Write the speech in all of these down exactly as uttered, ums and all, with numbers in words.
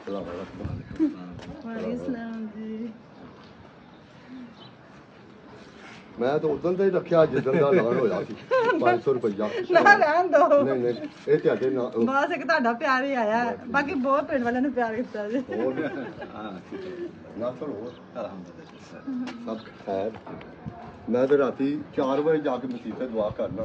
मैं तो उदन ते रखिया जिदन दा ऐलान होया सी पाँच सौ रुपया ना रहन दो नहीं नहीं ਇਹ ਤੁਹਾਡੇ ਨਾਲ ਬਸ ਇੱਕ ਤੁਹਾਡਾ ਪਿਆਰ ਹੀ ਆਇਆ ਬਾਕੀ ਬਹੁਤ ਪਿੰਡ ਵਾਲਿਆਂ ਨੇ ਪਿਆਰ ਕੀਤਾ ਜੀ ਹਾਂ ਨਾ ਚਲੋ ਸਭ ਖੈਰ ਮੈਂ ਤੇ ਰਾਤੀ ਚਾਰ ਵਜੇ ਜਾ ਕੇ ਮਸੀਤੇ ਦੁਆ ਕਰਨਾ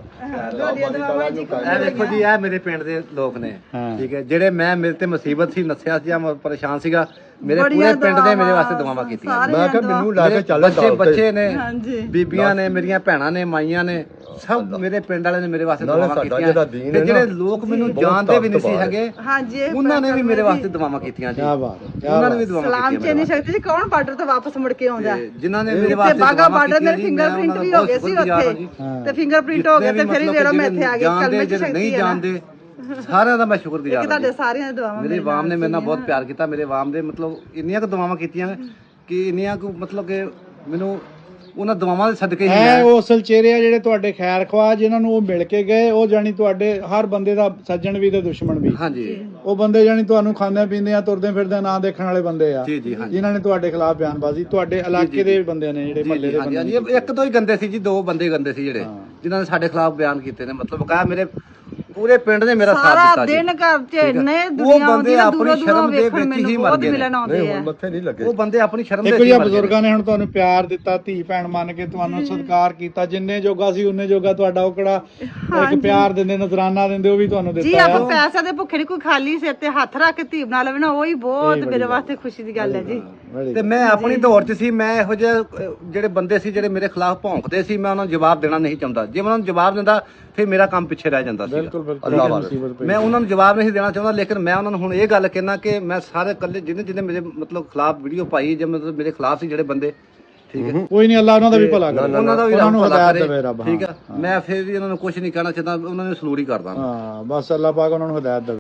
ਇਹ ਦੇਖੋ ਜੀ ਇਹ ਮੇਰੇ ਪਿੰਡ ਦੇ ਲੋਕ ਨੇ ਠੀਕ ਹੈ ਜਿਹੜੇ ਮੈਂ ਮੇਰੇ ਤੇ ਮੁਸੀਬਤ ਸੀ ਨਸਿਆ ਸੀ ਜਾਂ ਪਰੇਸ਼ਾਨ ਸੀਗਾ ਮੇਰੇ ਪੂਰੇ ਪਿੰਡ ਦੇ ਮੇਰੇ ਵਾਸਤੇ ਦੁਆਵਾਂ ਕੀਤੀਆਂ ਮੈਂ ਕਿਹਾ ਮੈਨੂੰ ਲੈ ਕੇ ਚੱਲ ਬੱਚੇ ਬੱਚੇ ਨੇ ਹਾਂਜੀ ਬੀਬੀਆਂ ਨੇ ਮੇਰੀਆਂ ਭੈਣਾਂ ਨੇ ਮਾਈਆਂ ਨੇ ਸਭ ਮੇਰੇ ਪਿੰਡ ਵਾਲਿਆਂ ਨੇ ਮੇਰੇ ਵਾਸਤੇ ਦੁਆਵਾਂ ਕੀਤੀਆਂ ਤੇ ਜਿਹੜੇ ਲੋਕ ਮੈਨੂੰ ਜਾਣਦੇ ਵੀ ਨਹੀਂ ਸੀ ਹੈਗੇ ਹਾਂਜੀ ਉਹਨਾਂ ਨੇ ਵੀ ਮੇਰੇ ਵਾਸਤੇ ਦੁਆਵਾਂ ਕੀਤੀਆਂ ਜੀ ਉਹਨਾਂ ਨੇ ਵੀ ਦੁਆਵਾਂ ਸਲਾਮ ਕੀਤੀਆਂ ਚੇਨੀ ਸ਼ਕਤੀ ਜੀ ਕੌਣ ਬਾਰਡਰ ਤੋਂ ਵਾਪਸ ਮੁੜ ਕੇ ਆਉਂਦਾ ਜਿਨ੍ਹਾਂ ਨੇ ਮੇਰੇ ਵਾਸਤੇ ਬਾਗਾ ਬਾਰਡਰ ਮੇਰੇ ਫਿੰਗਰਪ੍ਰਿੰਟ ਵੀ ਹੋ ਗਏ ਸੀ ਉੱਥੇ ਤੇ ਫਿੰਗਰਪ੍ਰਿੰਟ ਹੋ ਗਏ ਤੇ ਫਿਰ ਵੀ ਵੇਰੋ ਮੈਂ ਇੱਥੇ ਆ ਗਈ ਕਲਮੇ ਚ ਸ਼ਕਤੀ ਨਹੀਂ ਜਾਣਦੇ ਸਾਰਿਆਂ ਦਾ ਮੈਂ ਸ਼ੁਕਰਗੁਜ਼ਾਰ ਹਾਂ ਤੁਹਾਡੇ ਸਾਰਿਆਂ ਦੀ ਦੁਆਵਾਂ ਮੇਰੇ ਆਵਾਮ ਨੇ ਮੇਰੇ ਨਾਲ ਬਹੁਤ ਪਿਆਰ ਕੀਤਾ ਮੇਰੇ ਆਵਾਮ ਦੇ ਮਤਲਬ ਇੰਨੀਆਂ ਕੁ ਦੁਆਵਾਂ ਕੀਤੀਆਂ ਕਿ ਇੰਨੀਆਂ ਕੁ ਮਤਲਬ ਕਿ ਮੈਨੂੰ ਉਹਨਾਂ ਦੁਆਵਾਂ ਦੇ ਸਦਕੇ ਹੀ ਹੈ ਉਹ ਅਸਲ ਚਿਹਰੇ ਆ ਜਿਹੜੇ ਤੁਹਾਡੇ ਖੈਰ ਖਵਾ ਜਿਨ੍ਹਾਂ ਨੂੰ ਉਹ ਮਿਲ ਕੇ ਗਏ ਉਹ ਜਾਨੀ ਤੁਹਾਡੇ ਹਰ ਬੰਦੇ ਦਾ ਸੱਜਣ ਵੀ ਤੇ ਦੁਸ਼ਮਣ ਵੀ ਹਾਂਜੀ ਉਹ ਬੰਦੇ ਜਾਨੀ ਤੁਹਾਨੂੰ ਖਾਂਦੇ ਪੀਂਦੇ ਆ ਤੁਰਦੇ ਫਿਰਦੇ ਨਾਂ ਦੇਖਣ ਵਾਲੇ ਬੰਦੇ ਆ ਜੀ ਜੀ ਹਾਂਜੀ ਜਿਨ੍ਹਾਂ ਨੇ ਤੁਹਾਡੇ ਖਿਲਾਫ ਬਿਆਨਬਾਜ਼ੀ ਤੁਹਾਡੇ ਇਲਾਕੇ ਦੇ ਬੰਦੇ ਨੇ ਜਿਹੜੇ ਮਹੱਲੇ ਦੇ ਹਾਂਜੀ ਬੰਦੇ ਹਾਂਜੀ ਇੱਕ ਦੋ ਹੀ ਗੰਦੇ ਸੀ ਜੀ ਦੋ ਬੰਦੇ ਗੰਦੇ ਸੀ ਜਿਹੜੇ ਜਿਨ੍ਹਾਂ ਨੇ ਸਾਡੇ ਖਿਲਾਫ ਬਿਆਨ ਕੀਤੇ ਨੇ ਮਤਲਬ ਕਹਾ ਮੇਰੇ ਪੂਰੇ ਪਿੰਡ ਨੇ ਮੇਰਾ ਸਾਥ ਸਾਰਾ ਦਿੱਤਾ ਜੀ ਦਿਨ ਘਰ ਚ ਇੰਨੇ ਉਹ ਦੁਨੀਆ ਆਉਂਦੀ ਬੰਦੇ ਹੈ ਆਪਣੀ ਦੂਰੋਂ ਸ਼ਰਮ ਦੂਰੋਂ ਦੇ ਵੇਖਣ ਵਿੱਚ ਹੀ ਮੈਨੂੰ ਮਰ ਬਹੁਤ ਗਏ ਮਿਲਣ ਆਉਂਦੇ ਨਹੀਂ ਆ ਹੁਣ ਮੱਥੇ ਨਹੀਂ ਲੱਗੇ ਉਹ ਬੰਦੇ ਆਪਣੀ ਸ਼ਰਮ ਦੇ ਦੇਖੋ ਵਿੱਚ ਜੀ ਹੀ ਮਰ ਗਏ ਬਜ਼ੁਰਗਾਂ ਨੇ ਹੁਣ ਤੁਹਾਨੂੰ ਪਿਆਰ ਦਿੱਤਾ ਧੀ ਭੈਣ ਮੰਨ ਕੇ ਤੁਹਾਨੂੰ ਸਤਿਕਾਰ ਕੀਤਾ ਜਿੰਨੇ ਜੋਗਾ ਸੀ ਉਹਨੇ ਜੋਗਾ ਤੁਹਾਡਾ ਉਹ ਕਿਹੜਾ ਇੱਕ ਪਿਆਰ ਦਿੰਦੇ ਨਜ਼ਰਾਨਾ ਦਿੰਦੇ ਉਹ ਵੀ ਤੁਹਾਨੂੰ ਜੀ ਦਿੱਤਾ ਆਪਾਂ ਪੈਸੇ ਦੇ ਭੁੱਖੇ ਨਹੀਂ ਕੋਈ ਖਾਲੀ ਸਿਰ ਤੇ ਹੱਥ ਰੱਖ ਕੇ ਧੀ ਬਣਾ ਲਵੇ ਨਾ ਉਹੀ ਬਹੁਤ ਮੇਰੇ ਵਾਸਤੇ ਖੁਸ਼ੀ ਦੀ ਗੱਲ ਹੈ ਜੀ ਤੇ ਮੈਂ ਆਪਣੀ ਦੌੜ 'ਚ ਸੀ ਮੈਂ ਇਹੋ ਜਿਹੇ ਅਹ, ਜਿਹੜੇ ਬੰਦੇ ਸੀ ਜਿਹੜੇ ਮੇਰੇ ਖਿਲਾਫ ਭੌਂਕਦੇ ਸੀ ਮੈਂ ਉਹਨਾਂ ਨੂੰ ਜਵਾਬ ਦੇਣਾ ਨਹੀਂ ਚਾਹੁੰਦਾ ਜੇ ਮੈਂ ਉਹਨਾਂ ਨੂੰ ਜਵਾਬ ਦਿੰਦਾ ਫਿਰ ਮੇਰਾ ਕੰਮ ਪਿੱਛੇ ਰਹਿ ਜਾਂਦਾ ਸੀ ਬਿਲਕੁਲ ਬਿਲਕੁਲ ਅੱਲਾਹ ਵਾਲਾ। ਮੁਸੀਬਤ ਪਈ। ਮੈਂ ਉਹਨਾਂ ਨੂੰ ਜਵਾਬ ਨਹੀਂ ਦੇਣਾ ਚਾਹੁੰਦਾ ਲੇਕਿਨ ਮੈਂ ਉਹਨਾਂ ਨੂੰ ਹੁਣ ਇਹ ਗੱਲ ਕਹਿਣਾ ਕਿ ਮੈਂ ਸਾਰੇ ਇਕੱਲੇ ਜਿਹਨੇ ਜਿਹਨੇ ਮੇਰੇ ਮਤਲਬ ਖਿਲਾਫ ਵੀਡੀਓ ਪਾਈ ਜਾਂ ਮਤਲਬ ਮੇਰੇ ਖਿਲਾਫ ਸੀ ਜਿਹੜੇ ਬੰਦੇ ਠੀਕ ਹੈ ਕੋਈ ਨਹੀਂ ਅੱਲਾਹ ਉਹਨਾਂ ਦਾ ਵੀ ਭਲਾ ਕਰੇ ਉਹਨਾਂ ਦਾ ਵੀ ਉਹਨਾਂ ਨੂੰ ਰੱਬ ਭਲਾ ਹਦਾਇਤ ਦੇਵੇ ਰੱਬ ਕਰੇ ਠੀਕ ਹੈ ਮੈਂ ਫਿਰ ਵੀ ਉਹਨਾਂ ਨੂੰ ਕੁਝ ਨਹੀਂ ਕਹਿਣਾ ਚਾਹੁੰਦਾ ਉਹਨਾਂ ਨੂੰ ਸਲੂਟ ਹੀ ਕਰਦਾ ਹਾਂ ਬਸ ਅੱਲਾਹ ਪਾਕ ਉਹਨਾਂ ਨੂੰ ਹਦਾਇਤ ਦੇਵੇ।